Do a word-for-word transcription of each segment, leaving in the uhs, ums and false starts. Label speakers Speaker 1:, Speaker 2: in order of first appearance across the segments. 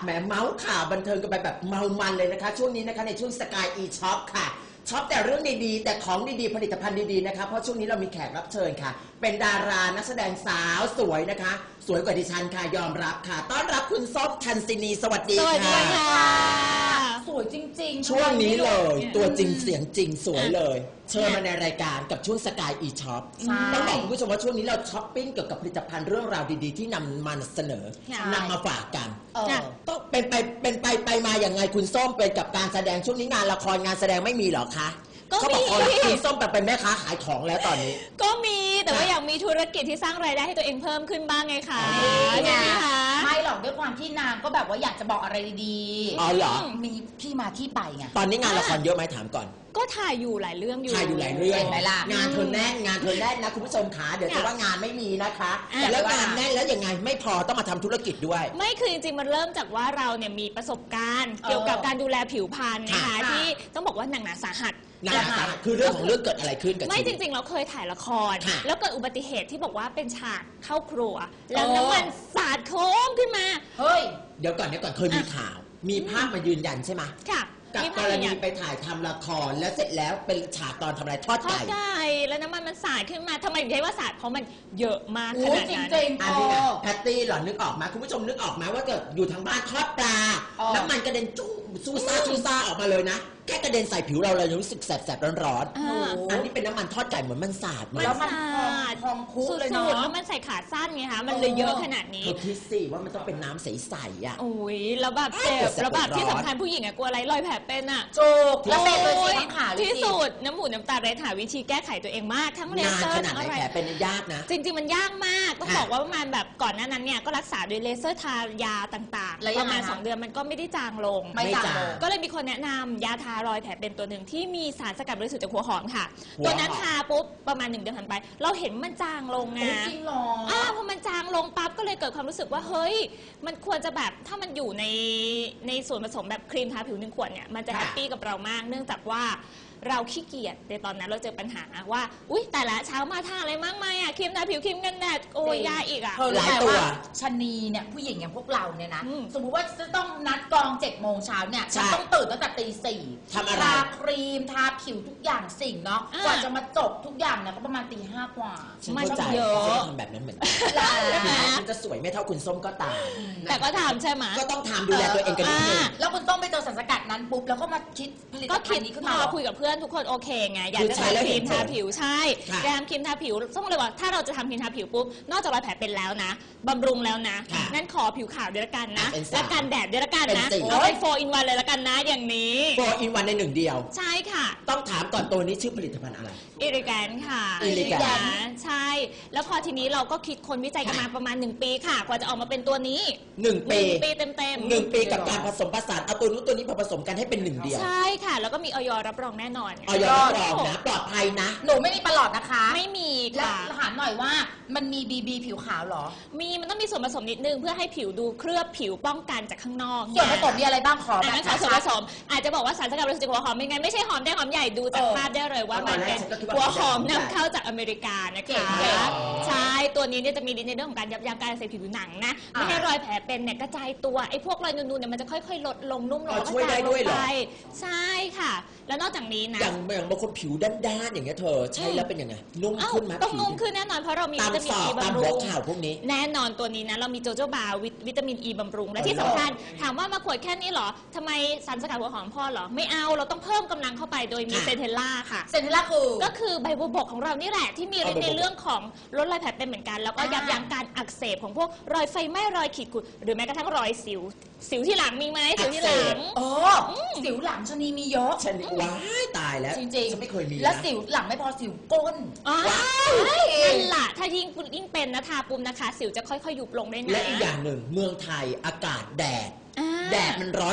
Speaker 1: แหมเมาส์ข่าวบันเทิงกันไปแบบเมามันเลยนะคะช่วงนี้นะคะในช่วงสกายอีช็อปค่ะช็อปแต่เรื่องดีๆแต่ของดีๆผลิตภัณฑ์ดีๆนะคะเพราะช่วงนี้เรามีแขกรับเชิญค่ะเป็นดารานักแสดงสาวสวยนะคะสวยกว่าดิฉันค่ะยอมรับค่ะต้อนรับคุณส้มทันซินีสวัสดีค่ะ
Speaker 2: สวยจริงๆ
Speaker 1: ช่วงนี้เลยตัวจริงเสียงจริงสวยเลยเชิญมาในรายการกับช่วงสกายอีช็อปต้องบอกคุณผู้ชมว่าช่วงนี้เราช้อปปิ้งเกี่ยวกับผลิตภัณฑ์เรื่องราวดีๆที่นำมาเสนอนำมาฝากกันต้องเป็นไปเป็นไปไปมาอย่างไงคุณส้มเป็นกับการแสดงช่วงนี้งานละครงานแสดงไม่มีเหรอคะก็มีคุณส้มแบบเป็นแม่ค้าขายของแล้วตอนนี้
Speaker 3: ก็มีแต่ว่าอยากมีธุรกิจที่สร้างรายได้ให้ตัวเองเพิ่มขึ้นบ้างไงคะ
Speaker 2: ใช่ไหมคะไม่หรอกด้วยความที่นางก็แบบว่าอยากจะบอกอะไรดี
Speaker 1: ๆอ๋อเหรอ
Speaker 2: มีที่มาที่ไปไง
Speaker 1: ตอนนี้งานละครเยอะไหมถามก่อน
Speaker 3: ก็ถ่ายอยู่หลายเรื่องอยู่
Speaker 1: ถ่ายอยู่หลายเรื่องงานเธอแน่นงานเธอแน่นนะคุณผู้ชมขาเดี๋ยวจะว่างานไม่มีนะคะแล้วงานแน่นแล้วยังไงไม่พอต้องมาทำธุรกิจด้วย
Speaker 3: ไม่คือจริงๆมันเริ่มจากว่าเราเนี่ยมีประสบการณ์เกี่ยวกับการดูแลผิวพรรณนะคะที่ต้องบอกว่าหนักหนาสาหัส
Speaker 1: หนักหนาสาหัสคือเรื่องของเรื่องเกิดอะไรขึ้นกับ
Speaker 3: ไม่จริงๆเราเคยถ่ายละครแล้วเกิดอุบัติเหตุที่บอกว่าเป็นฉากเข้าครัวแล้วน้ำมันสาดโค้งขึ้นมา
Speaker 1: เฮ้ยเดี๋ยวก่อนเดี๋ยวก่อนเคยมีข่าวมีภาพมายืนยันใช่ไหม
Speaker 3: ค่ะ
Speaker 1: กับกรณีไปถ่ายทำละครแล้วเสร็จแล้วเป็นฉากตอนทำอะไรทอดไก่
Speaker 3: ทอดไก่แล้วน้ำมันมันสาดขึ้นมาทำไมถึงใช้ว่าสาดเพราะมันเยอะมากขนาดนั้น
Speaker 2: จริงๆ
Speaker 1: อันนี้นะแพตตี้หล่อนนึกออกไหมคุณผู้ชมนึกออกไหมว่าเกิดอยู่ทางบ้านทอดปลาน้ำมันกระเด็นจุ้งซูซ่าซูซ่าออกมาเลยนะแค่กระเด็นใส่ผิวเราเรายังรู้สึกแสบๆร้อนๆอันนี้เป็นน้ำมันทอดไก่เหมือนมันสาด
Speaker 3: มันสาด
Speaker 2: พองคุกเลยเนาะ
Speaker 3: แล้วมันใส่ขาสั้นไงคะมันเลยเยอะขนาดนี้
Speaker 1: เธอคิดสิว่ามันต้องเป็นน้ำใสๆอ่ะ
Speaker 3: โอ้ยแล้วแบบเจ็บแล้วแบบที่สำคัญผู้หญิงอะกลัวอะไรรอยแผลเป็นอะ
Speaker 2: โจกแล้วเป็นเลยสิทั้งขาเลย
Speaker 3: ที่สุดน้ำหูน้ำตาเรดหาวิธีแก้ไขตัวเองมากทั้งเลเซอร์
Speaker 1: ทั้งอะไรแผลเป็นยากนะ
Speaker 3: จริงๆมันยากมากต้องบอกว่าประมาณแบบก่อนหน้านั้นเนี่ยก็รักษาด้วยเลเซอร์ทายาต่างๆประมาณสองเดือนมันก็ไม่ได้จางลง
Speaker 2: ไม่จาง
Speaker 3: ก็เลยมีคนแนะนำยาทารอยแผลเป็นตัวหนึ่งที่มีสารสกัดบริสุทธิ์จากหัวหอมค่ะตัวนั้นทาปุ๊บประมาณหนึ่งเดือนผ่านไปเราเห็นมันจางลงนะ
Speaker 2: จริงหรอ
Speaker 3: อ่าพอมันจางลงปั๊บก็เลยเกิดความรู้สึกว่าเฮ้ยมันควรจะแบบถ้ามันอยู่ในในส่วนผสมแบบครีมทาผิวหนึ่งขวดเนี่ยมันจะแฮปปี้กับเรามากเนื่องจากว่าเราขี้เกียจในตอนนั้นเราเจอปัญหาว่าอุ๊ยแต่ละเช้ามาทาอะไรมากมายอ่ะครีมทาผิวครีมกันแดดโอ้ยยาอีกอ่ะ
Speaker 2: หลายตัวชนีเนี่ยผู้หญิงอย่างพวกเราเนี่ยนะสมมุติว่าจะต้องนัดกองเจ็ดโมงเช้าเนี่ยฉันต้องตื่นตั้งแต่ตีสี่
Speaker 1: ทำอะไร
Speaker 2: ทาครีมทาผิวทุกอย่างสิ่งเนาะกว่าจะมาจบทุกอย่างเนี่ยก็ประมาณตีห้ากว่า
Speaker 1: มันเยอะทำแบบนั้นเหมือนกันคุณจะสวยไม่เท่าคุณส้มก็ตาม
Speaker 3: แต่ก็ทำใช่ไหม
Speaker 1: ก็ต้องทำดูแลตัวเองกันนิดนึง
Speaker 2: แล้วคุณส้มไปเจอสารสกัดนั้นปุ๊บแล้วก็มาคิดผลิตภัณฑ์นี้ขึ้นมา
Speaker 3: คุยกับเพื่อนทุกคนโอเคไงอยากจะทำครีมทาผิวใช่การทำครีมทาผิวต้องเลยว่าถ้าเราจะทำครีมทาผิวปุ๊บนอกจากรอยแผลเป็นแล้วนะบำรุงแล้วนะนั่นขอผิวขาวด้วยละกันนะและกันแดดด้วยละกันนะเอาเป็นโฟร์อินวันเลยละกันนะอย่างนี้
Speaker 1: โฟร์อินวันในหนึ่งเดียว
Speaker 3: ใช่ค่ะ
Speaker 1: ต้องถามก่อนตัวนี้ชื่อผลิตภัณฑ์อะไร
Speaker 3: อิริแกนค่ะ
Speaker 1: อิริแกน
Speaker 3: ใช่แล้วพอทีนี้เราก็คิดคนวิจัยกันมาประมาณหนึ่งปีค่ะกว่าจะออกมาเป็นตัวนี้
Speaker 1: หนึ่งปี
Speaker 3: ปีเต็มเต็ม
Speaker 1: หนึ่งปีกับการผสมผสานเอาตัวนู้นตัวนี้ผสมกันให้เป็นหนึ่งเดียว
Speaker 3: ใช่ค่ะแล้วก็มีออยรับรองแน่นอน
Speaker 1: ออยรับรองนะปลอดภัยนะ
Speaker 2: หนูไม่มีประหลอดนะคะ
Speaker 3: ไม่มี
Speaker 2: ค่ะแล้วถามหน่อยว่ามันมีบีบีผิวขาวหรอ
Speaker 3: มีมันต้องมีส่วนผสมนิดนึงเพื่อให้ผิวดูเคลือบผิวป้องกันจากข้างนอก
Speaker 2: ส่วนผสมมีอะไรบ้างขอแบบ
Speaker 3: ส่วนผสมอาจจะบอกว่าสารสกัดบริสุทธิ์หัวหอมเป็นไงไม่ใช่หอมแดงหอมใหญ่ดูจากภาพได้เลยว่ามันเป็นหัวหอมนำเข้าจากอเมริกานะคะใช่ตัวนี้เนี่ยจะมีฤทธิ์ในเรื่องของการยับยั้งการอักเสบผิวหนังนะไม่ให้รอยแผลเป็นเนี่ยกระจายตัวไอ้พวกรอยนูนๆเนี่ยมันจะค่อยๆลดลงนุ่มลง
Speaker 1: ช่วยได้ด้วยเหรอ
Speaker 3: ใช่ค่ะแล้วนอกจากนี้นะ
Speaker 1: อย่างอย่างบางคนผิวด้านๆอย่างเงี้ยเธอใช้แล้วเป็นยังไงนุ่มขึ้นไหม
Speaker 3: ต้องนุ่มขึ้นแน่นอนเพราะเรามีวิตามินอีบำรุง
Speaker 1: ข่าวพวกนี้
Speaker 3: แน่นอนตัวนี้นะเรามีโจโจบาวิตามินอีบำรุงและที่สำคัญถามว่ามาขวดแค่นี้เหรอทำไมสารสกัดหัวหอมพ่อเหรอไม่เอาเราต้องเพิ่มกำลังเข้าไปโดยมีเซนเทลล่าค่ะ
Speaker 2: เซนเทลล่าคือ
Speaker 3: ก็คือใบบัวบกของเรานี่แหละที่มีฤทธิ์ในเรื่องของลดรอยแผลเป็นเหมือนกันแล้วก็ยับยั้งการอักเสบของพวกรอยไฟไหม้รอยขีดข่วนหรือแม้กระทั่งรอยสิวสิวที่หลังมีไหมสิวที่หลัง
Speaker 2: อ๋อสิวหลังชนีมีเยอะ
Speaker 1: ชนีว้ายตายแล้ว
Speaker 2: จริงๆ
Speaker 1: ฉันไม่เคยมี
Speaker 2: แล้วสิวหลังไม่พอสิวก้น
Speaker 3: ว้ายนั่นแหละถ้ายิ่งยิ่งเป็นนะทาปุ่มนะคะสิวจะค่อยๆยุบลงได้นะ
Speaker 1: และอีกอย่างหนึ่งเมืองไทยอากาศแดดแดดมันร้อนจัด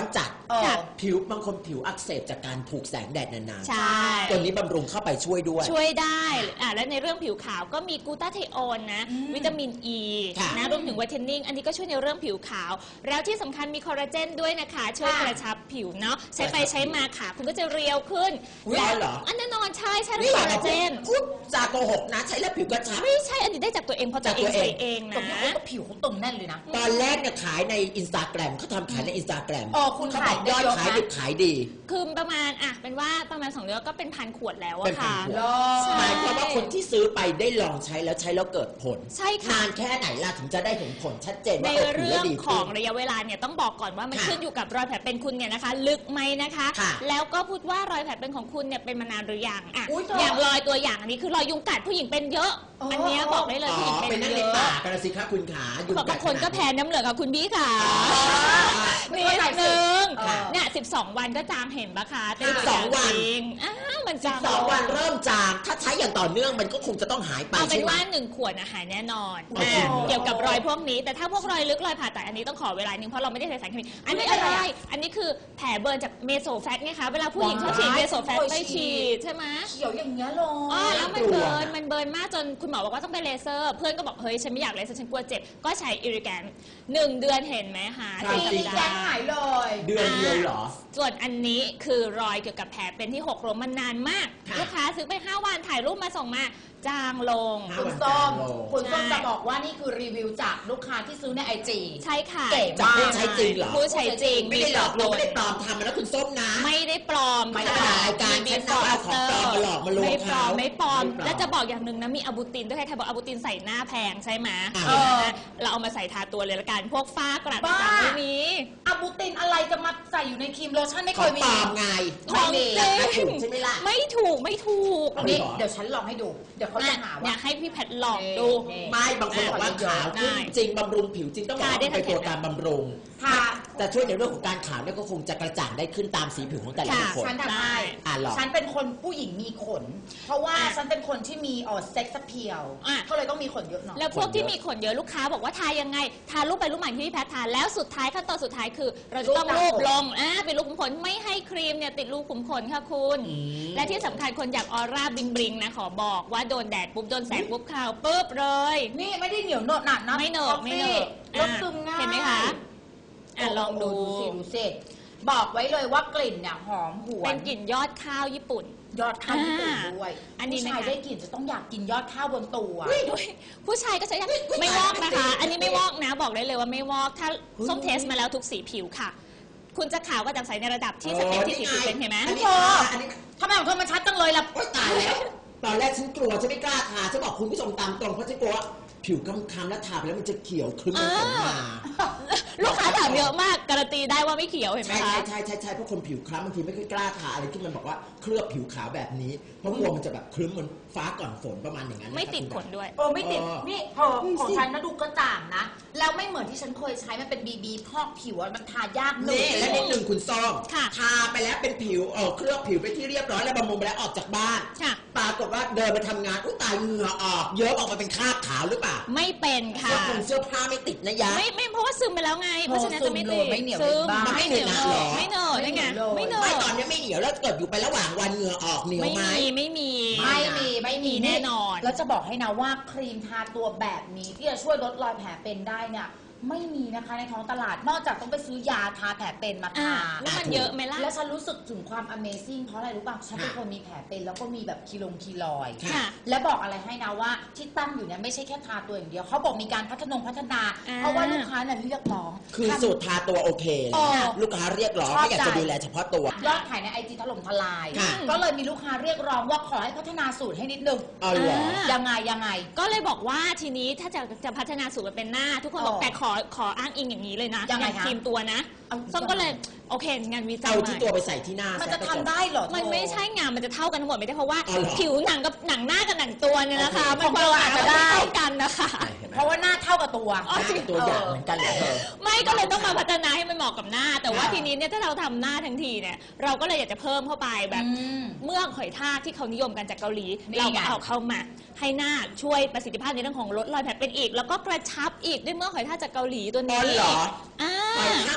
Speaker 2: เออ
Speaker 1: ผิวบางคนผิวอักเสบจากการถูกแสงแดดนาน
Speaker 3: ใช่
Speaker 1: ๆตัวนี้บำรุงเข้าไปช่วยด้วย
Speaker 3: ช่วยได้อ่ะและในเรื่องผิวขาวก็มีกลูตาเทโอนนะ
Speaker 2: อืม
Speaker 3: วิตามินอ e, ี
Speaker 1: ค่ะ
Speaker 3: นะรวมถึงไวท์เทนนิ่งอันนี้ก็ช่วยในเรื่องผิวขาว แล้วที่สำคัญมีคอลลาเจนด้วยนะคะ ช่วย
Speaker 2: ค่ะ
Speaker 3: กระชับผิวเนาะใช้ไปใช้มาขาคุณก็จะเรียวขึ้น
Speaker 1: อุ๊ยได้เหรอ
Speaker 3: อันแน่นอนใช่ใช่
Speaker 1: นี่
Speaker 3: เรื่อง
Speaker 1: อ
Speaker 3: ค
Speaker 1: ย่า
Speaker 3: อล
Speaker 1: มา
Speaker 3: ลาเจ
Speaker 1: พูด
Speaker 3: น
Speaker 1: พูดจาโกหกนะใช้แล้วผิวกระชับ
Speaker 3: ไม่ใช่อันนี้ได้จากตัวเองเพราะตัวเอง
Speaker 1: จากตัวเอง
Speaker 3: ใส่เอง
Speaker 2: ตร
Speaker 3: นะ
Speaker 2: งนี้เขาก็ผิวเขาตึงแน่นเลยนะ
Speaker 1: ตอนแรกเนี่ยขายในอินสตาแกรมเขาทำขายในอินสตาแกรม
Speaker 2: อ๋อคุณ
Speaker 1: เขา
Speaker 2: ขา
Speaker 1: บ
Speaker 2: ย
Speaker 1: อกยอด
Speaker 2: ได้เยอะ
Speaker 1: ขาย
Speaker 2: นะ
Speaker 1: ดิบขายดี
Speaker 3: คือประมาณอ่ะเป็นว่าประมาณสองเดือนก็เป็นพันขวดแล้ว
Speaker 1: เป็
Speaker 3: อะ
Speaker 1: นพัน
Speaker 3: ค่ะ
Speaker 1: ขวด
Speaker 2: เหรอ
Speaker 3: ใช่
Speaker 1: หมายความว่าคนที่ซื้อไปได้ลองใช้แล้วใช้แล้วเกิดผล
Speaker 3: ใช่ค่ะ
Speaker 1: นานแค่ไหนล่ะถึงจะได้เห็นผลชัดเจน
Speaker 3: ใน
Speaker 1: ว่าเออผิว
Speaker 3: เรื่
Speaker 1: แล้
Speaker 3: อ
Speaker 1: ว
Speaker 3: ง
Speaker 1: ดี
Speaker 3: ข
Speaker 1: ขึ้
Speaker 3: อง
Speaker 1: น
Speaker 3: ระยะเวลาเนี่ยต้องบอกก่อนว่ามัน
Speaker 1: ค่ะ
Speaker 3: ขึ้นอยู่กับรอยแผลเป็นคุณเนี่ยนะคะ ลึกไหมนะคะ
Speaker 1: ค่ะ
Speaker 3: แล้วก็พูดว่ารอยแผลเป็นของคุณเนี่ยเป็นมานานหรือยังอ่ะ
Speaker 2: อุ๊ยเธอ
Speaker 3: อ
Speaker 2: อ
Speaker 3: ย่างรอยตัวอย่างอันนี้คือรอยยุงกัดผู้หญิงเป็นเยอะ
Speaker 2: อ๋ออั
Speaker 3: อันเนี้ยบอกได้เลย
Speaker 1: อ๋อ
Speaker 3: ผู้หญิง
Speaker 1: ไป
Speaker 3: เป็น
Speaker 1: นั่ง
Speaker 3: เย
Speaker 1: ใน
Speaker 3: อะ
Speaker 1: ป่ากันนะสิคะคุณขายุง
Speaker 3: บางคนก็แพ้น้ำเหลืองกับคุณบี้ค่ะ
Speaker 2: ไม่
Speaker 3: นิ
Speaker 2: เข้า
Speaker 3: ด
Speaker 2: ใจสิ
Speaker 3: นึง
Speaker 2: เออ
Speaker 3: เนี่ยสิบสองวันก็จางเห็นปะคะเป็น
Speaker 1: สิบสองวัน
Speaker 3: จริงอ้าวมันจาง
Speaker 1: สองวันเริ่มจางถ้าใช้อย่างต่อเนื่องมันก็คงจะต้องหายไป
Speaker 3: เอาเป็
Speaker 1: ใช่
Speaker 3: น
Speaker 1: ไหม
Speaker 3: ว่าหนึ่งขวดนะหายแน่นอน
Speaker 1: โอ้โห
Speaker 3: อ่ะเกี่ยวกับรอยพวกนี้ แต่ถ้าพวกรอยลึกรอยผ่าตัดอันนี้ต้องขอเวลาหนึงเพราะเราไม่ได้ใส่สารเคมีอันนี้อะไร อันนี้คือแผลเบิร์นจากเมโซแฟตไงคะเวลาผู้หญิงชอบฉีดเมโซแฟตไปฉีดใช่ไหม
Speaker 2: เขียวอย่างเงี้ยเลย
Speaker 3: อ๋อแล้วมันเบิร์นมันเบิร์นมากจนคุณหมอบอกว่าต้องไปเลเซอร์ เพื่อนก็บอกเฮ้ยฉันไม่อยากเลเซอร์ฉันกลัวเจ็บก็ใช้อิริแกนหนึ่งเดือนเห็นไหมคะ
Speaker 1: ใช่
Speaker 3: สี่
Speaker 2: มี
Speaker 3: สัป
Speaker 2: แก
Speaker 3: ดาง
Speaker 2: หาย
Speaker 3: ห์
Speaker 2: เลย
Speaker 1: เดือนเดียวเหรอ
Speaker 3: ส่วนอันนี้คือรอยเกี่ยวกับแผลเป็นที่หกล้มมันนานมาก
Speaker 1: ค่ะ
Speaker 3: ลูกค้าซื้อไปห้าวันถ่ายรูปมาส่งมาจางลง
Speaker 1: ห้า
Speaker 2: คุณ
Speaker 1: วัน
Speaker 2: ส้ม
Speaker 1: จางลง
Speaker 2: คุณส้ม
Speaker 3: ใช่
Speaker 2: จะบอกว่านี่คือรีวิวจากลูกค้าที่ซื้อในไอจี
Speaker 3: ใช่ค่ะ
Speaker 2: เก๋
Speaker 1: จากผู้ใช้จริงเหรอ
Speaker 3: ผู้ใช้จริง
Speaker 1: ไม่ได้หลอกลวงไม่ได้ปลอมทำมาแล้วคุณส้มนะ
Speaker 3: ไม่ได้ปลอม
Speaker 1: ไม่ได้มารายการ
Speaker 3: มี
Speaker 1: ฉันเอาเอาของปลอมมาหลอกมาลวง
Speaker 3: ไม่ปลอม
Speaker 1: เขา
Speaker 3: ไม่ปลอม
Speaker 1: ไม่ปลอม
Speaker 3: และจะบอกอย่างหนึ่งนะมีอะบูตินด้วยใครๆบอกอะบูตินใส่หน้าแพงใช่ไหม
Speaker 1: อ่า
Speaker 3: เออเราเอามาใส่ทาตัวเลยละกันพวกฝ้ากระ
Speaker 2: บ้า
Speaker 3: ต่างๆไม่มี
Speaker 2: อะบูตินอะไรจะมาใส่อยู่ในครีมโลชั่นไม่
Speaker 1: ข
Speaker 2: เค
Speaker 1: อง
Speaker 2: ยมี
Speaker 1: ปลอมไง
Speaker 3: ของจริง
Speaker 1: ราคาถูกใช่ไหมล่ะ
Speaker 3: ไม่ถูกไม่ถูก
Speaker 1: เอา
Speaker 2: นี่
Speaker 1: เหรอ
Speaker 2: เดี๋ยวฉันลองให้ดู เดี๋ยวเขาจะหา
Speaker 3: เนี่
Speaker 2: ว่า
Speaker 3: ยให้พี่แพทลองดู
Speaker 2: นี่
Speaker 1: ไม่บางคนบอกว่าขาวขึ้น
Speaker 3: ได้
Speaker 1: จริงบำรุงผิวจริงต้องบอกว่า
Speaker 3: ค่ะได้
Speaker 1: เป็นตัว
Speaker 3: ทั้ง
Speaker 1: การบำรุง
Speaker 2: ค่ะ
Speaker 1: แต่ช่วยในเรื่องของการขาวเนี่ยก็คงจะกระจ่างได้ขึ้นตามสีผิวของแต่ละ
Speaker 3: ค่ะ
Speaker 1: บุคคล
Speaker 2: ฉันทำให้
Speaker 1: อ่ะหรอ
Speaker 2: ฉันเป็นคนผู้หญิงมีขน เพราะว่า
Speaker 3: อ่ะ
Speaker 2: ฉันเป็นคนที่มีเออเซ็กซ์เพียว
Speaker 3: อ่ะ
Speaker 2: ก็เลยต้องมีขนเยอะหน่อย
Speaker 3: แล้วพวกที่มีขนเยอะลูกค้าบอกว่าทายังไง ทารูปไปรูปมาที่พี่แพททาแล้วสุดท้ายขั้นตอนสุดท้ายคือ เราจะต้อง
Speaker 2: รู
Speaker 3: รู
Speaker 2: ป
Speaker 3: ป
Speaker 2: ตามขน
Speaker 3: ลงอ่าเป็นรูปขุมขนไม่ให้ครีมเนี่ยติดรูขุมขนค่ะคุณ
Speaker 1: อืม
Speaker 3: และที่สำคัญคนอยากออร่าบลิงบลิงนะขอบอกว่าโดนแดดปุ๊บโดนแสงปุ๊บขาวปุ๊บเลย
Speaker 2: นี่ไม่ได้เหนียวเหนอะหนักนะ
Speaker 3: ไม่เหนอะไม่เหนอะ
Speaker 2: ลดซึมง่าย
Speaker 3: เห็นไหมคะอ่ะลองดู
Speaker 2: โสิดูสิบอกไว้เลยว่ากลิ่นเนี่ยหอมหว
Speaker 3: เป็น นกลิ่นยอดข้าวญี่ปุ่น
Speaker 2: ยอดข้าวญี่ปุ่นด้วย
Speaker 3: อันนี้
Speaker 2: ผู้
Speaker 3: นะคะ
Speaker 2: ชายได้กลิ่นจะต้องอยากกินยอดข้าวบนตัว
Speaker 3: อุ๊ยผู้ชายก็ใช้ได้ไม่วอกนะคะ อันนี้ไม่วอกนะบอกได้เลยว่าไม่วอกถ้าส้มเทสมาแล้วทุกสีผิวค่ะ คุณจะขาวก็จะใสในระดับที่สเต็ปที่สี่สิบเปอร์เซ็นต์เห็นไหม
Speaker 1: อันนี้
Speaker 2: โอ้
Speaker 1: อันนี้
Speaker 2: ทำไมของเธอมันชัดจังเลยล่ะ
Speaker 1: โอ๊ยตายแล้ว ตอนแรกฉันกลัวฉันไม่กล้าทาฉันบอกคุณผู้ชมตามตรงเพราะฉันกลัวว่าผิวคล้ำๆแล้วทาไปแล้วมันจะเขียวคลึ้มเป็นขนมา
Speaker 3: ลูกค้าถามเยอะมากการันตีได้ว่าไม่เขียวเห็นไหม
Speaker 1: ใช่
Speaker 3: คะ
Speaker 1: ใช่ใช่ใช่ใช่เพราะคนผิวคล้ำบางทีไม่ค่อยกล้าทาอะไรที่มันบอกว่าเคลือบผิวขาวแบบนี้เพราะกลัวมันจะแบบคลึ้มเหมือนฟ้าก่อนฝนประมาณอย่างนั้นนะครับ
Speaker 3: ไม่ติด
Speaker 1: คุณ
Speaker 3: ขนด้วย
Speaker 2: เออไม่ติด
Speaker 1: เออ
Speaker 2: นี่เธอของฉันนะดูกระจ่างนะ แล้วไม่เหมือนที่ฉันเคยใช้มันเป็นบีบีพอกผิวอะมันทายากหนึ่ง
Speaker 1: นี่และนิดหนึ่งคุณส้ม
Speaker 3: ค่ะ
Speaker 1: ทาไปแล้วเป็นผิวเออเคลือบผิวไปที่เรียบร้อยแล้วบำรุงไปแล้วออกจากบ้าน
Speaker 3: ค่ะ
Speaker 1: ปรากฏว่าเดินมาทำงานอุ้ยตายเหงื่อออกเยอะออกมาเป็นคราบขาวหรือเปล่า
Speaker 3: ไม่เป็นค่ะ
Speaker 1: เสื้อผงเสื้อผ้าไม่ติดนะยะ
Speaker 3: ไม่ไม่เพราะว่าซึมไปแล้วไง เพราะฉะนั้นจะไม่ติด
Speaker 2: ไม่เหนียว
Speaker 3: ซึม
Speaker 2: บ้าง
Speaker 3: ไม่เหนียว
Speaker 1: ไม่เหนอะหรอ
Speaker 3: ไม่เหนอะได้ไงไม่เหน
Speaker 1: ไม่
Speaker 3: อะ
Speaker 1: ตอนนี้ไม่เหนียวแล้วเกิดอยู่ไประหว่างวันเหงื่อออกเหนียว
Speaker 3: ไม่
Speaker 1: ไหม
Speaker 3: มีไม่มี
Speaker 2: ไม่มีไม่มี
Speaker 3: แน่นอน
Speaker 2: แล้วจะบอกให้นะว่าครีมทาตัวแบบนี้ที่จะช่วยลดรอยแผลเป็นได้เนี่ยไม่มีนะคะในท้องตลาดนอกจากต้องไปซื้อยาทาแผลเป็นมา
Speaker 3: อ่ะ
Speaker 2: ทา
Speaker 3: แล้วมันเยอะไหมล่ะ
Speaker 2: แล้วฉันรู้สึกถึงความ Amazing เพราะอะไรรู้ป่ะฉันเป็นคนมีแผลเป็นแล้วก็มีแบบคีลงคีลอย
Speaker 3: ค่ะ
Speaker 2: และบอกอะไรให้นะว่าที่ตั้งอยู่เนี่ยไม่ใช่แค่ทาตัวอย่างเดียวเขาบอกมีการพัฒนงพัฒนา
Speaker 3: อ่า
Speaker 2: เพราะว่าลูกค้าเนี่ยเรียกร้อง
Speaker 1: คือสูตรทาตัวโอเค
Speaker 2: เออ
Speaker 1: ลูกค้าเรียกร้อง
Speaker 2: ชอบ
Speaker 1: ไม่อยากจะ
Speaker 2: ใจ
Speaker 1: ดูแลเฉพาะตัว
Speaker 2: ยอดขายในไอจีถล่มทลาย
Speaker 1: ค่ะ
Speaker 2: ก็เลยมีลูกค้าเรียกร้องว่าขอให้พัฒนาสูตรให้นิดนึง
Speaker 1: เอาเหรอ
Speaker 3: อ่า
Speaker 2: ยังไงยังไง
Speaker 3: ก็เลยบอกว่าทีนี้ถ้าจะจะพัฒนาสูตรมาเป็นหน้า ทุกคนบอก
Speaker 2: อ๋อ
Speaker 3: แต่ขอขออ้างอิงอย่างนี้เลยนะ
Speaker 2: ยังไง
Speaker 3: อ
Speaker 2: คะ
Speaker 3: ครีมตัวนะ
Speaker 2: เอา
Speaker 3: ส้มก็เลยโอเคงานวิจัย
Speaker 1: เอา
Speaker 3: ให
Speaker 1: ที่
Speaker 3: ม่
Speaker 1: ตัวไปใส่ที่หน้า
Speaker 2: มัน
Speaker 1: ซ
Speaker 2: จะทำได้เหรอเธอ
Speaker 3: มันไม่ใช่งานมันจะเท่ากันทั้งหมดไม่ได้เพราะว่า
Speaker 1: อ๋อเหรอ
Speaker 3: ผิวหนังกับหนังหน้ากับหนังตัวเนี่ยนะคะ
Speaker 1: โอเค
Speaker 3: มันความอาจจะไม่เท่ากันนะคะ
Speaker 1: เห็นไหม
Speaker 2: เพราะว่าหน้าเท่ากับตัว
Speaker 3: อ๋อ
Speaker 1: หน้ากับตัวอย่างเหมือนกันเหรอเธอ
Speaker 3: ไม่ก็เลยต้องมาพัฒนาให้มันเหมาะกับหน้า แต่ว่า
Speaker 2: อ่า
Speaker 3: ทีนี้เนี่ยถ้าเราทำหน้าทั้งทีเนี่ยเราก็เลยอยากจะเพิ่มเข้าไปแบบ
Speaker 2: อืม
Speaker 3: เมือกหอยทากที่เขานิยมกันจากเกาหลี
Speaker 2: นี่
Speaker 3: เรา
Speaker 2: ไง
Speaker 3: ก็เอาเข้ามาให้หน้าช่วยประสิทธิภาพในเรื่องของลดรอยแผลเป็นอีก แล้วก็กระชับอีกด้วยเมือกหอยทากจากเกาหลีตัว
Speaker 1: อ๋
Speaker 3: นี้
Speaker 1: อเหรอ
Speaker 3: อ่า
Speaker 1: ไปห้างมาจากเกาหลี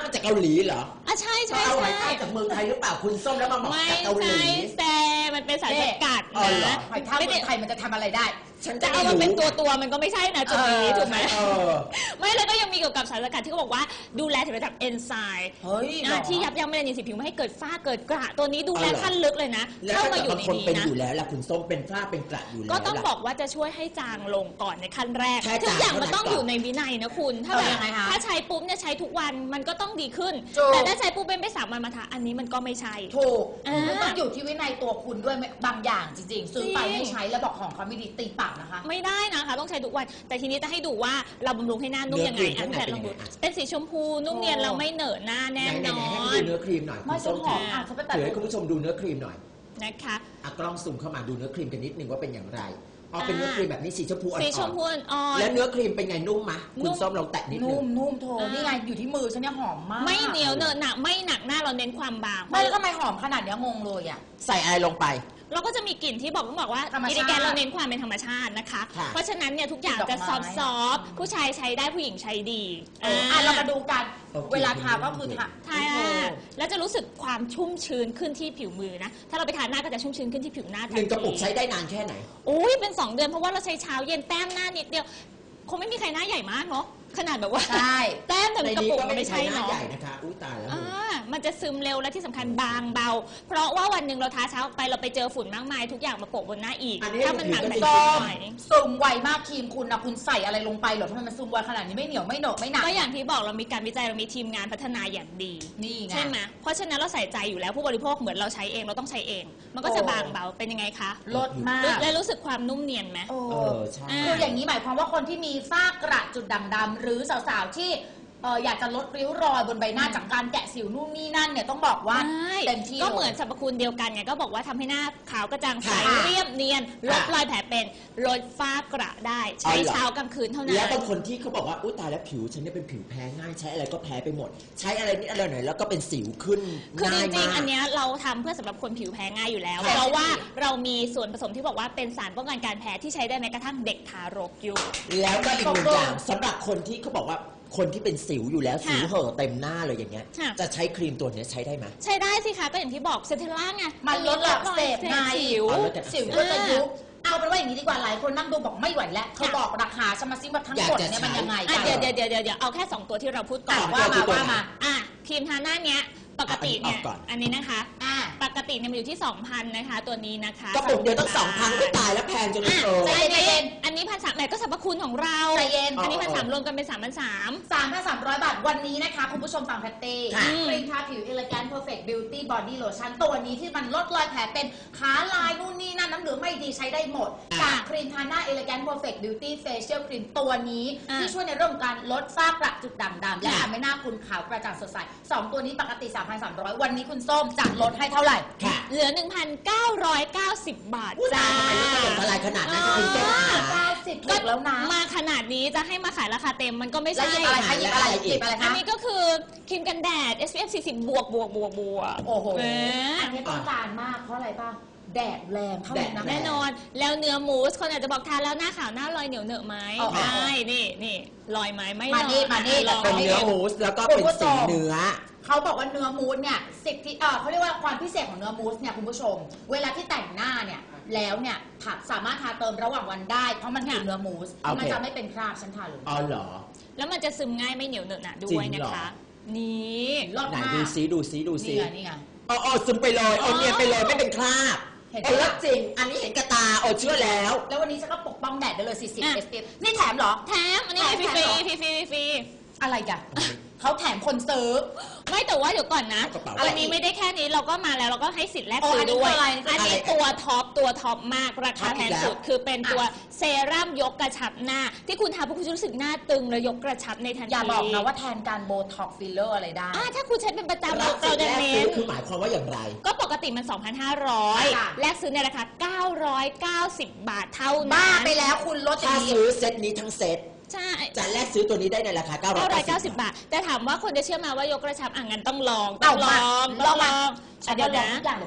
Speaker 1: ลีเหรอ
Speaker 3: อ่ะใช่ใช่
Speaker 1: เขาเอา
Speaker 3: ใช่
Speaker 1: ไม้ใต้จากเมืองไทยหรือเปล่าคุณส้มแล้วมาบอก
Speaker 3: ไม่
Speaker 1: จากเกาหลี
Speaker 3: ใช่แต่มันเป็นสารสกัด
Speaker 1: อ๋อเหรอ
Speaker 3: นะ
Speaker 2: หอยทาก
Speaker 3: ไม่
Speaker 2: เมื
Speaker 3: ได้
Speaker 2: องไทยมันจะทำอะไรได้
Speaker 1: ฉัน
Speaker 3: จะ
Speaker 1: จะ
Speaker 3: เอา
Speaker 1: ไม่
Speaker 3: มาเป็น
Speaker 1: รู้
Speaker 3: ตัวตัวๆมันก็ไม่ใช่นะจุดนี้
Speaker 2: เออ
Speaker 3: ถูกไหม
Speaker 1: เออ
Speaker 3: ไม่แล้วก็ยังมีเกี่ยวกับสารสกัดที่เขาบอกว่าดูแลถึงระดับเอนไซม์
Speaker 2: เฮ้ยเหรอ
Speaker 3: อ่ะที่ยับยั้งเมลานินสีผิวไม่ให้เกิดฝ้าเกิดกระตัวนี้ดูแล
Speaker 1: อ๋อเหรอ
Speaker 3: ขั้นลึกเลยนะ
Speaker 1: แล้ว
Speaker 3: เข้า
Speaker 1: ถ้า
Speaker 3: มา
Speaker 1: เกิ
Speaker 3: อ
Speaker 1: ด
Speaker 3: ยู่
Speaker 1: บาง
Speaker 3: ใน
Speaker 1: คน
Speaker 3: นี้
Speaker 1: เป็น
Speaker 3: นะ
Speaker 1: อยู่แล้วล่ะคุณส้มเป็นฝ้าเป็นกระอยู่แล้ว
Speaker 3: ก็ต้อง
Speaker 1: ล่ะ
Speaker 3: บอกว่าจะช่วยให้จางลงก่อนในขั้นแรก
Speaker 1: แค่
Speaker 3: ทุกอย่าง
Speaker 1: จาง
Speaker 3: มันต้อง
Speaker 1: เท่านั้น
Speaker 3: อยู่ในวินัยนะคุณ ถ้า
Speaker 2: เออ
Speaker 3: แบบ
Speaker 2: ยังไงคะ
Speaker 3: ถ้าใช้ปุ๊บเนี่ยใช้ทุกวันมันก็ต้องดีขึ้น
Speaker 2: ถูก
Speaker 3: แต่ถ้าใช้ปุ๊บเป็นไปสามวันมาทาอันนี้มันก็ไม่ใช่
Speaker 2: ถูก
Speaker 3: อ่ามั
Speaker 2: มันต้องอยู่ที่วินัยตัวคุณด้วยบางอย่างจริงๆ ซื้อไป
Speaker 3: จริง
Speaker 2: ไม่ใช้แล้วบอกของเขาไม่ดีตีปากนะคะ
Speaker 3: ไม่ได้นะคะต้องใช้ทุกวัน แต่ทีนี้จะให้ดูว่าเราบำรุงให้หน้านุ่มยังไงอ่ะพี่แพทย์ลองดูเป็นสีชมพูนุ่มเนียนเราไม่เหนอะหน้าแน่
Speaker 1: ไหน
Speaker 3: น
Speaker 1: ไหน
Speaker 3: อ
Speaker 1: ๆให้
Speaker 3: น
Speaker 1: ดูเนื้อครีมหน่อย
Speaker 2: ไม่
Speaker 1: คุณส้ม
Speaker 2: ฉันหอมอ่ะฉันไปตัด
Speaker 1: ถือให้คุณผู้ชมดูเนื้อครีมหน่อย
Speaker 3: นะคะ
Speaker 1: อ่ะกล้องซูมเข้ามาดูเนื้อครีมกันนิดนึงว่าเป็นอย่างไรอ๋อเป็นเนื้อครีมแบบนี้สีชมพูอ่อนๆ
Speaker 3: สีชมพูอ่อน
Speaker 1: แล้วเนื้อครีมเป็นไงนุ่มมะ
Speaker 3: นุ่
Speaker 1: คุณ
Speaker 3: ม
Speaker 1: ส้มลองแตะนิดนึ
Speaker 2: นุ่
Speaker 1: ง
Speaker 2: มนุ่มโท
Speaker 3: อ่านี่
Speaker 2: นี่ไงอยู่ที่มือฉันเนี่ยหอมมาก
Speaker 3: ไม่เหนียวเหนอะหนะไม่หนักหน้าเราเน้นความบาง
Speaker 2: ไม่แล้วทำไมหอมขนาดเนี้ยงงเลยอ่ะ
Speaker 1: ใส่อะไรลงไป
Speaker 3: เราก็จะมีกลิ่นที่บอกต้องบอกว่า
Speaker 2: ธรรมชาติ
Speaker 3: อิริแกนเราเน้นความเป็นธรรมชาตินะคะ
Speaker 1: ค่ะ
Speaker 3: เพราะฉะนั้นเนี่ยทุกอย่าง
Speaker 2: ดอก
Speaker 3: จะ
Speaker 2: ไม้
Speaker 3: ซอฟต์ซอฟต์ผู้ชายใช้ได้ผู้หญิงใช้ดี
Speaker 2: เอออ่ะเรามาดูกัน
Speaker 1: โอเค
Speaker 2: เวลาทาก็คือทา
Speaker 3: ทาแล้วจะรู้สึกความชุ่มชื้นขึ้นที่ผิวมือนะ ถ้าเราไปทาหน้าก็จะชุ่มชื้นขึ้นที่ผิวหน้าทัน
Speaker 1: หนึ่งกระปุก
Speaker 3: ที
Speaker 1: ใช้ได้นานแค่ไหน
Speaker 3: โอ้ยเป็นสองเดือนเพราะว่าเราใช้เช้าเย็นแต้มหน้านิดเดียวคงไม่มีใครหน้าใหญ่มากเนาะขนาดแบบว่า
Speaker 2: ใช่
Speaker 3: แต้มแต่
Speaker 1: ใน
Speaker 3: กระ
Speaker 1: นี้
Speaker 3: ปุก
Speaker 1: ก็
Speaker 3: มัน
Speaker 1: ไม่
Speaker 3: ไม่
Speaker 1: ใช่
Speaker 3: ใช่
Speaker 1: หน้า
Speaker 3: เนาะ
Speaker 1: ใหญ่นะคะอุ้ยตายแล้ว
Speaker 3: อ่ามันจะซึมเร็วและที่สำคัญบางเบา เพราะว่าวันหนึ่งเราทาเช้าไปเราไปเจอฝุ่นมากมายทุกอย่างมาโปะบนหน้าอีก
Speaker 1: อันนี้
Speaker 3: ถ้ามันหนัก
Speaker 1: ถือ
Speaker 3: ไป
Speaker 1: เป็น
Speaker 3: ก็
Speaker 2: ส้ม
Speaker 3: ไม่
Speaker 2: ซึมไวมากครีมคุณนะคุณใส่อะไรลงไปเหรอทำไมมันซึมไวขนาดนี้ไม่เหนียวไม่เหนอะไม่หนัก
Speaker 3: ก็อย่างที่บอกเรามีการวิจัยเรามีทีมงานพัฒนาอย่างดี
Speaker 2: นี่ไง
Speaker 3: ใช่ไหมเพราะฉะนั้นเราใส่ใจอยู่แล้วผู้บริโภคเหมือนเราใช้เองเราต้องใช้เอง มันก็จะ
Speaker 2: โอ้
Speaker 3: บางเบาเป็นยังไงคะ
Speaker 2: ลดมาก
Speaker 3: และรู้สึกความนุ่มเนียนไหม
Speaker 2: โอ้
Speaker 1: เออใช่
Speaker 3: อ่า
Speaker 2: คืออย่างนี้หมายความว่าคนที่มีฝ้ากระจุดด่างดำหรือสาวๆที่เอ่ออยากจะลดริ้วรอยบนใบหน้าจากการแกะสิวนู่นนี่นั่นเนี่ยต้องบอกว่า
Speaker 3: ใช่
Speaker 2: เต็มที่
Speaker 3: ก็เหมือน
Speaker 2: ลย
Speaker 3: สรรพคุณเดียวกันไงก็บอกว่าทำให้หน้าขาวกระจ่างใส
Speaker 1: ค่ะ
Speaker 3: เรียบเนียนลดรอยแผลเป็นลดฝ้ากระได้ ใช้
Speaker 1: อ๋อเหรอ
Speaker 3: เช้ากลางคืนเท่านั้น
Speaker 1: แล้วบางคนที่เขาบอกว่าอุ้ยตายแล้วผิวฉันเนี่ยเป็นผิวแพ้ง่ายใช้อะไรก็แพ้ไปหมด ใช้อะไรนิดอะไรหน่อยแล้วก็เป็นสิวขึ้น
Speaker 3: คือจ
Speaker 1: ง่าย
Speaker 3: ริง
Speaker 1: มาก
Speaker 3: ๆ อันเนี้ยเราทำเพื่อสำหรับคนผิวแพ้ง่ายอยู่แล้ว
Speaker 2: ค่ะ
Speaker 3: เพราะว่าเรามีส่วนผสมที่บอกว่าเป็นสารป้องกันการแพ้ที่ใช้ได้แม้กระทั่งเด็กทารกอยู่
Speaker 1: แล้วก็อีกหนึ่งอย่างสำหรับคนที่เขาบอกว่าคนที่เป็นสิวอยู่แล้ว
Speaker 3: ค่ะ
Speaker 1: สิวเห่อะเต็มหน้าเลยอย่างเงี้ย
Speaker 3: ค่ะ
Speaker 1: จะใช้ครีมตัวเนี้ยใช้ได้ไหม
Speaker 3: ใช้ได้สิคะก็อย่างที่บอกเซนเทล่าไง
Speaker 2: มันลดหลักเสพไง
Speaker 3: สิว
Speaker 1: อ๋อลดจาก
Speaker 2: สิวก็จะยุบเอาเป็นว่าอย่างนี้ดีกว่าหลายคนนั่งดูบอกไม่ไหวแล้วเธอบอกราคาฉันมาซิว่าทั้งหมดเนี่ยมันยังไง
Speaker 3: อ่ะ
Speaker 2: กัน
Speaker 3: เดี๋ยวเดี๋ยวเดี๋ยวเดี๋ยวเอาแค่สองตัวที่เราพูดก่อน
Speaker 2: อ่ะว่ามาว่ามา
Speaker 3: อ่ะครีมทาหน้าเนี้ยปกติเนี่ย
Speaker 1: เอาก่อน
Speaker 3: อันนี้นะคะ
Speaker 2: อ่า
Speaker 3: ปกติเนี่ยมันอยู่ที่ สองพัน นะคะ ตัวนี้นะคะ
Speaker 1: กระปุกเดียวต้องสองพันก็ตายแล้วแพงจนเลย
Speaker 3: อ่ะ
Speaker 1: เออ
Speaker 3: ใจ
Speaker 2: ใจเย็
Speaker 3: เย็น
Speaker 2: น
Speaker 3: อันนี้พันสามแหมก็สรรพคุณของเรา
Speaker 2: ใจเย็น
Speaker 3: อันนี้
Speaker 1: อ๋อ
Speaker 3: พันสามรวมกันเป็นสามพันสาม
Speaker 2: สามพันสามร้อยบาทวันนี้นะคะ คุณผู้ชมฟังแพตตี้
Speaker 1: ค่ะ
Speaker 2: ครีมทาผิว Elegant Perfect Beauty Body Lotion ตัวนี้ที่มันลดรอยแผลเป็นขาลายนู่นนี่นั่นน้ำเหลืองไม่ดีใช้ได้หมดจากครีมทาหน้า Elegant Perfect Beauty Facial Cream ตัวนี้ ที่ช่วยในเรื่องของการลดฝ้ากระจุดด่างดำและทำให้หน้าคุณขาวกระจ่างสดใสสองตัวนี้ปกติ สามพันสามร้อย วันนี้คุณส้มจะลดให้เท่าไหร่
Speaker 1: ค่ะ
Speaker 3: เหลือ หนึ่งพันเก้าร้อยเก้าสิบ บาท
Speaker 1: อุ้ย
Speaker 3: จ้า
Speaker 1: ตายทำไมไม่ถล่มทลายขนาดนั้น
Speaker 3: อ่า
Speaker 1: คุณส้มขา
Speaker 2: เก้าสิบถูกแล้วนะ
Speaker 3: มาขนาดนี้จะให้มาขายราคาเต็มมันก็ไม่
Speaker 2: แล้ว
Speaker 3: ใช่
Speaker 2: หยิบอะไรคะหยิบอะไร
Speaker 1: แล้วอะไรอีก
Speaker 2: หยิบอะไร
Speaker 3: อัน
Speaker 2: คะ
Speaker 3: นี้ก็คือครีมกันแดด เอส พี เอฟ สี่สิบ บวกบวกบวกบวก
Speaker 2: โอ้โห
Speaker 3: เออ
Speaker 2: อันนี้ต้องการมากเพราะอะไรป่ะ แดดแรงเท่านั้นนะ
Speaker 3: แน่นอน แล้วเนื้อมูส คนอาจจะบอกทานแล้วหน้าขาวหน้าลอยเหนียวเหนอะไหม
Speaker 2: อ๋อ
Speaker 3: ใช่นี่นี่ลอยไหมไม่ล
Speaker 2: มา
Speaker 3: อย
Speaker 2: นี่มานี่
Speaker 3: ลอง
Speaker 1: เป็นเนื้อมูสแล้วก็เป็นสีเนื้อ
Speaker 2: เขาบอกว่าเนื้อมูสเนี่ยสิทธิเออเขาเรียกว่าความพิเศษของเนื้อมูสเนี่ยคุณผู้ชม เวลาที่แต่งหน้าเนี่ยแล้วเนี่ยถักสามารถทาเติมระหว่างวันได้ เพราะมันคือเนื้อมูส
Speaker 1: โอเค
Speaker 2: มันจะไม่เป็นคราบฉันทาเลย
Speaker 1: อ๋อเหรอ
Speaker 3: แล้วมันจะซึมง่ายไม่เหนียวเหนอะหนะด้
Speaker 1: จริ
Speaker 3: วย
Speaker 1: ง
Speaker 3: นะ
Speaker 1: เหรอ
Speaker 3: คะ นี่
Speaker 2: รอด
Speaker 1: ไหน
Speaker 2: มาก
Speaker 1: ดูซิดูซิดูซิ
Speaker 2: นี่ไงนี่ไง
Speaker 1: อ๋ออ๋อซึมไปเลยโอเนียนไปเลยไม่เป็นคราบ
Speaker 2: เห็นไหม
Speaker 1: เออแล้วจริง อันนี้เห็นกระตาโอเชื่อแล้ว
Speaker 2: แล้ววันนี้ฉันก็ปกป้องแดดได้เลย สี่สิบ
Speaker 3: อ่ะ
Speaker 2: เอส พี เอฟ นี่แถมเหรอ
Speaker 3: แถมอันนี้
Speaker 2: แถม
Speaker 3: ฟรี
Speaker 2: แถมเหรอ
Speaker 3: ฟรีฟรีฟรี
Speaker 2: อะไรกันเขาแถมคนซื้อ
Speaker 3: ไม่แต่ว่าเดี๋ยวก่อนนะ
Speaker 1: กระเป๋า
Speaker 3: อันนี้ไม่ได้แค่นี้เราก็มาแล้วเราก็ให้สิทธิ์แลก
Speaker 2: โอ้
Speaker 3: ซื้ออน
Speaker 2: นี้
Speaker 3: ด้วย
Speaker 2: คืออะไร
Speaker 3: อันนี้
Speaker 1: อะไร
Speaker 3: ตัวท็อปตัวท็อปมากราคา
Speaker 1: ท็อป
Speaker 3: แพ
Speaker 1: อี
Speaker 3: ง
Speaker 1: กแล้ว
Speaker 3: สุดคือเป็นตัวเซรั่มยกกระชับหน้า ที่คุณทาปุ๊บคุณจะรู้สึกหน้าตึงแล้วยกกระชับในทันที
Speaker 2: อย่าบอกนะว่าแทนการโบท็อกฟิลเลอร์อะไรได้
Speaker 3: อ่าถ้าคุณใช้เป็นประจำ
Speaker 1: รั
Speaker 3: เรา
Speaker 1: บสิท
Speaker 3: จะ
Speaker 1: ธิ์แรก
Speaker 3: เน้
Speaker 1: ซื้อน คือหมายความว่าอย่างไร
Speaker 3: ก็ปกติมัน สองพันห้าร้อย
Speaker 2: ค่ะ
Speaker 3: แลกซื้อในราคา เก้าร้อยเก้าสิบ บาทเท่านั้น
Speaker 2: บ้าไปแล้วคุณลดอย่า
Speaker 1: ถ้าง
Speaker 2: นี้
Speaker 1: ซื้อเซตนี้ทั้งเซต
Speaker 3: ใช่
Speaker 1: จะแลกซื้อตัวนี้ได้ในราคาเก้าร้อยเก้าสิบ
Speaker 3: เก้าร้อยเก้าสิบ บาท แต่ถามว่าคนจะเชื่อมาว่ายกกระชับอ่ะงั้นต้องลองต้
Speaker 2: เอา
Speaker 3: องล
Speaker 2: มา
Speaker 3: อง
Speaker 2: ล
Speaker 3: ต้
Speaker 2: อ
Speaker 3: อง งล
Speaker 2: มา
Speaker 3: อง
Speaker 2: ฉัน
Speaker 3: เดี๋ยว
Speaker 2: ลอ
Speaker 3: นะ
Speaker 2: งทุกอย่างเลยเพราะอะไร
Speaker 3: อ่ะต้อง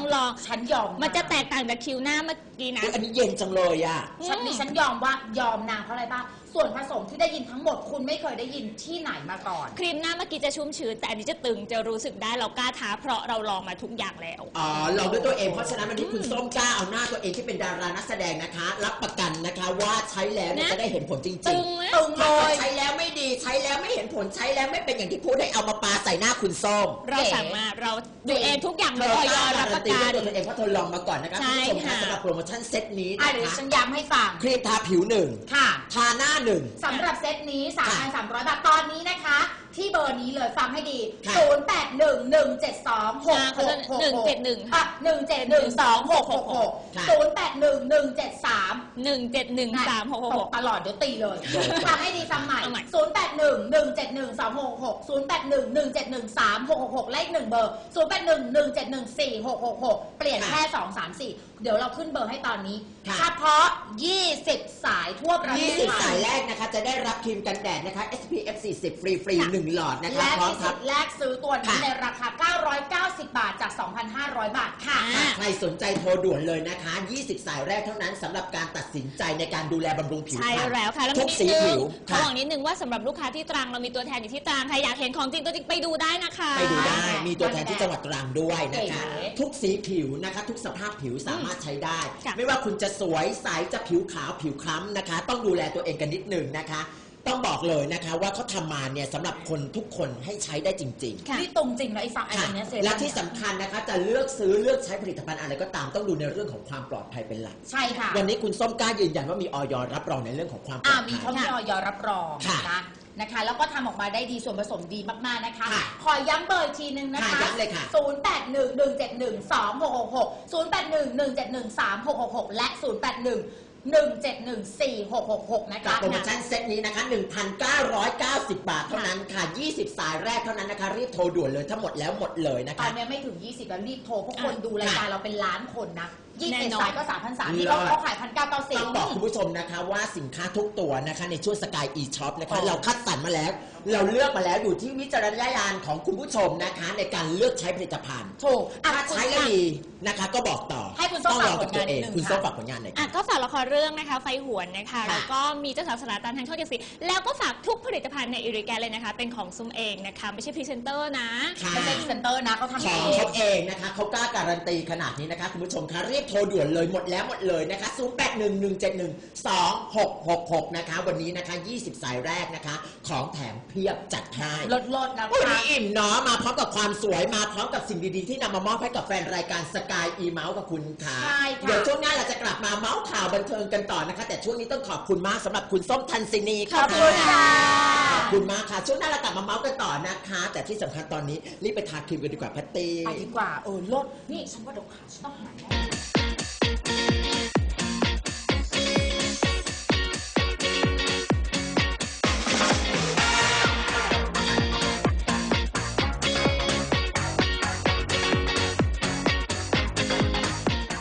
Speaker 3: ต้องลอง
Speaker 2: ฉันยอม
Speaker 3: มันจะแตกต่างจากคิวหน้าเมื่อกี้นะ
Speaker 1: อุ๊ยอันนี้เย็นจังเลยอ่ะ
Speaker 2: ฉันนี่ฉันยอมว่ายอมนางเพราะอะไรบ้างส่วนผสมที่ได้ยินทั้งหมดคุณไม่เคยได้ยินที่ไหนมาก่อน
Speaker 3: ครีมหน้าเมื่อกี้จะชุ่มชื้นแต่อันนี้จะตึงจะรู้สึกได้เรากล้าท้าเพราะเราลองมาทุกอย่างแล้ว
Speaker 1: อ๋อลองด้วยตัวเองเพราะฉะนั้นวันนี้คุณส้มกล้าเอาหน้าตัวเองที่เป็นดารานักแสดงนะคะ รับประกันนะคะว่าใช้แล้วเนี่ย
Speaker 3: นะ
Speaker 1: จะได้เห็นผลจริ
Speaker 3: ตึ
Speaker 1: ง
Speaker 3: งไหม
Speaker 2: ตึง
Speaker 1: ๆ
Speaker 2: เล
Speaker 1: ถ้าย ใช้แล้วไม่ดีใช้แล้วไม่เห็นผลใช้แล้วไม่เป็นอย่างที่พูดให้เอามาปาใส่หน้าคุณส้ม
Speaker 3: เราสั่งมาเราดูเองทุกอย่าง
Speaker 1: เธ
Speaker 3: เลย
Speaker 1: อ
Speaker 3: ออย
Speaker 1: กล้า
Speaker 3: รับ
Speaker 1: การั
Speaker 3: ป
Speaker 1: น
Speaker 3: ระ
Speaker 1: ตี
Speaker 3: กั
Speaker 1: ด้วย
Speaker 3: น
Speaker 1: ตัวเองเพราะเธอลองมาก่อนนะคะ
Speaker 3: ใช่
Speaker 1: คุณผู้ชมคะ
Speaker 3: ค่ะ
Speaker 1: สำหรับโปรโมชั่นเซตนี้
Speaker 2: อ่ะ
Speaker 1: นะ
Speaker 2: เดี๋ยว
Speaker 1: คะ
Speaker 2: ฉันย้ำให้ฟัง
Speaker 1: ครีมทาผิวหนึ่ง
Speaker 2: ค่ะ
Speaker 1: ทาหน้าหนึ่ง
Speaker 2: สำหรับเซตนี้ สามพันสามร้อย บาท ตอนนี้นะคะ ที่เบอร์นี้เลยฟังให้ดี
Speaker 1: ค่ะ
Speaker 2: ศูนย์ แปด หนึ่ง หนึ่ง เจ็ด สอง หก หก หก
Speaker 3: หนึ่งเจ็ดหนึ่ง
Speaker 2: อ่ะหนึ่ง เจ็ด หนึ่ง สอง หก หก หก
Speaker 1: ค่ะ
Speaker 2: ศูนย์ แปด หนึ่ง หนึ่ง เจ็ด สาม
Speaker 3: หนึ่งเจ็ดหนึ่งสามหกหกหก
Speaker 2: ตลอดเดี๋ยวตีเลยฟังให้ดีฟังใหม่
Speaker 3: เอาใหม่
Speaker 2: ศูนย์ แปด หนึ่ง หนึ่ง เจ็ด หนึ่ง สอง หก หก ศูนย์ แปด หนึ่ง หนึ่ง เจ็ด หนึ่ง สาม หก หก หก เลขหนึ่งเบอร์ ศูนย์ แปด หนึ่ง หนึ่ง เจ็ด หนึ่ง สี่ หก หก หก เปลี่ยนแค่ สอง สาม สี่ เดี๋ยวเราขึ้นเบอร์ให้ตอนนี้
Speaker 1: ค่ะ
Speaker 2: เฉพาะ ยี่สิบ สายทั่วประเท
Speaker 1: ยี่
Speaker 2: ศ
Speaker 1: สิบ
Speaker 2: ไท
Speaker 1: สาย
Speaker 2: ย
Speaker 1: แรกนะคะจะได้รับครีมกันแดดนะคะ เอส พี เอฟ สี่สิบ ฟรีฟรีหนึ่งหลอดนะคะ
Speaker 2: และ
Speaker 1: พร้อม
Speaker 2: มี
Speaker 1: ครั
Speaker 2: สิ
Speaker 1: บ
Speaker 2: ทธิ์แลกซื้อตัวนี้
Speaker 1: ค่ะ
Speaker 2: ในราคา เก้าร้อยเก้าสิบ บาทจาก สองพันห้าร้อย บาทค่ะ
Speaker 3: อ่า
Speaker 1: ใครสนใจโทรด่วนเลยนะคะ ยี่สิบ สายแรกเท่านั้นสำหรับการตัดสินใจในการดูแลบำรุงผิว
Speaker 3: ใช่
Speaker 1: พรรณ
Speaker 3: แล้วค่ะแล้ว
Speaker 1: ทุ
Speaker 3: มี
Speaker 1: ก
Speaker 3: นิด
Speaker 1: สี
Speaker 3: นึ
Speaker 1: ผิ
Speaker 3: ง
Speaker 1: ว
Speaker 3: เขา
Speaker 1: ค่ะ
Speaker 3: บอกนิดนึงว่าสำหรับลูกค้าที่ตรังเรามีตัวแทนอยู่ที่ตรังใครอยากเห็นของจริงตัวจริงไปดูได้นะคะ
Speaker 1: ไปดูได้ มีตัวแทนที่จังหวัดตรังด้วยนะคะ
Speaker 2: เก๋
Speaker 1: ทุกสีผิวนะคะ ทุกสภาพผิวสามารถใช้ได้
Speaker 3: ค่ะ
Speaker 1: ไม่ว่าคุณจะสวยใสจะผิวขาวผิวคล้ำนะคะ ต้องดูแลตัวเองกันนิดหนึ่งนะคะ ต้องบอกเลยนะคะว่าเขาทำมาเนี่ยสำหรับคนทุกคนให้ใช้ได้จริง ๆ
Speaker 3: ค่ะ
Speaker 2: นี่ตรงจริงนะไอ้ฟังไอ้
Speaker 1: ค่ะ
Speaker 2: อันเนี้ยเซรั่ม
Speaker 1: และที่
Speaker 2: เนี่ย
Speaker 1: สำคัญนะคะจะเลือกซื้อเลือกใช้ผลิตภัณฑ์อะไรก็ตามต้องดูในเรื่องของความปลอดภัยเป็นหลัก
Speaker 2: ใช่ค่ะ
Speaker 1: วันนี้คุณส้มกล้ายืนยันว่ามีออยรับรองในเรื่องของความปล
Speaker 2: อ่า
Speaker 1: อด
Speaker 2: มี
Speaker 1: ภั
Speaker 2: เขา
Speaker 1: ย
Speaker 2: มีออยรับรอง
Speaker 1: ค่ะ
Speaker 2: นะนะคะ แล้วก็ทำออกมาได้ดีส่วนผสมดีมากๆนะคะ
Speaker 1: ค่ะ
Speaker 2: ขอย้ำเบอร์อีกทีนึงนะคะ
Speaker 1: ค่ะย้ำเลยค่ะ
Speaker 2: ศูนย์ แปด หนึ่ง หนึ่ง เจ็ด หนึ่ง สอง หก หก หก ศูนย์ แปด หนึ่ง หนึ่ง เจ็ด หนึ่ง สาม หก หก หก และ ศูนย์ แปด หนึ่ง หนึ่ง เจ็ด หนึ่ง สี่ หก หก หก นะ
Speaker 1: กับ
Speaker 2: คะ
Speaker 1: โปรโมชั่นเซตนี้นะคะ หนึ่งพันเก้าร้อยเก้าสิบ บาทเท่านั้นค่ะ ยี่สิบ สายแรกเท่านั้นนะคะ รีบโทรด่วนเลยถ้าหมดแล้วหมดเลยนะ
Speaker 2: ตอ
Speaker 1: คะ
Speaker 2: นนี้ไม่ถึง ยี่สิบ แล้วรีบโทรเพราะคน
Speaker 3: อ่ะ
Speaker 2: ดูรายการเราเป็นล้านคนนะยี่สิบ
Speaker 3: แน่นอน
Speaker 2: สายก็ สามพันสามร้อย นี่
Speaker 1: เลิ
Speaker 2: เขา
Speaker 1: ศ
Speaker 2: เขาขาย หนึ่งพันเก้าร้อยเก้าสิบ
Speaker 1: ต้องบอกคุณผู้ชมนะคะว่าสินค้าทุกตัวนะคะในช่วงสกายอีช็อปนะคะ
Speaker 2: อ๋อ
Speaker 1: เราคัดสรรมาแล้ว เราเลือกมาแล้วอยู่ที่วิจารณญาณของคุณผู้ชมนะคะ ในการเลือกใช้ผลิตภัณฑ์
Speaker 2: ถูกอ่ะ
Speaker 1: ถ้าใช้แล้วดีนะคะก็บอกต่อ
Speaker 2: ให้คุณส้ม
Speaker 1: ต้องลองกับตัวเอง
Speaker 2: ฝากผลงานนิดนึง
Speaker 1: คุณส้ม
Speaker 2: ค่ะ
Speaker 1: ฝากผลงานหน่อย
Speaker 3: อ่ะ
Speaker 1: ค่ะ
Speaker 3: ก็ฝากละครเรื่องนะคะไฟหวนนะคะ
Speaker 1: ค่ะ
Speaker 3: แล้วก็มีเจ้าสาวสลาตันทางช่องเจ็ดสีแล้วก็ฝากทุกผลิตภัณฑ์ในอิริแกนเลยนะคะ เป็นของซุมเองนะคะไม่ใช่พรีเซนเตอร์นะ
Speaker 1: ค่ะ
Speaker 2: ไม่ใช่พรีเซนเตอร์นะเขาทำ
Speaker 1: ข
Speaker 2: เอ
Speaker 1: อง
Speaker 2: ง
Speaker 1: เขาเองนะคะเขากล้าการันตีขนาดนี้นะคะคุณผู้ชมคะรีบโทรด่วนเลยหมดแล้วหมดเลยนะคะศูนย์ แปด หนึ่ง หนึ่ง เจ็ด หนึ่ง สอง หก หก หกนะคะวันนี้นะคะยี่สิบ สายแรกนะคะ ของแถมเพียบจัดให้
Speaker 2: ลดลดๆนะ
Speaker 1: วัน
Speaker 2: คะ
Speaker 1: นี้อิ่มเนาะมาพร้อมกับความสวยมาพร้อมกับสิ่งดีๆที่นำมามอบให้กับแฟนรายการสกายอีเมาส์กับคุณค่ะ
Speaker 2: ใช่ค่ะ
Speaker 1: เดี๋ยวช่วงหน้าเราจะกลับมาเมาส์ข่าวบันเทิงกันต่อนะคะ แต่ช่วงนี้ต้องขอบคุณมากสำหรับคุณส้มทันซินี
Speaker 2: ขอบคุณค่ะ
Speaker 1: ขอบคุณมากค่ะช่วงหน้าเรากลับมาเมาส์กันต่อนะคะ แต่ที่สำคัญตอนนี้รีบไปทาครีมกันดีกว่าแพตตี้
Speaker 2: ไปดีกว่า เออลดนี่ฉันว่าเดี๋ยวขาฉันต้องหายแน่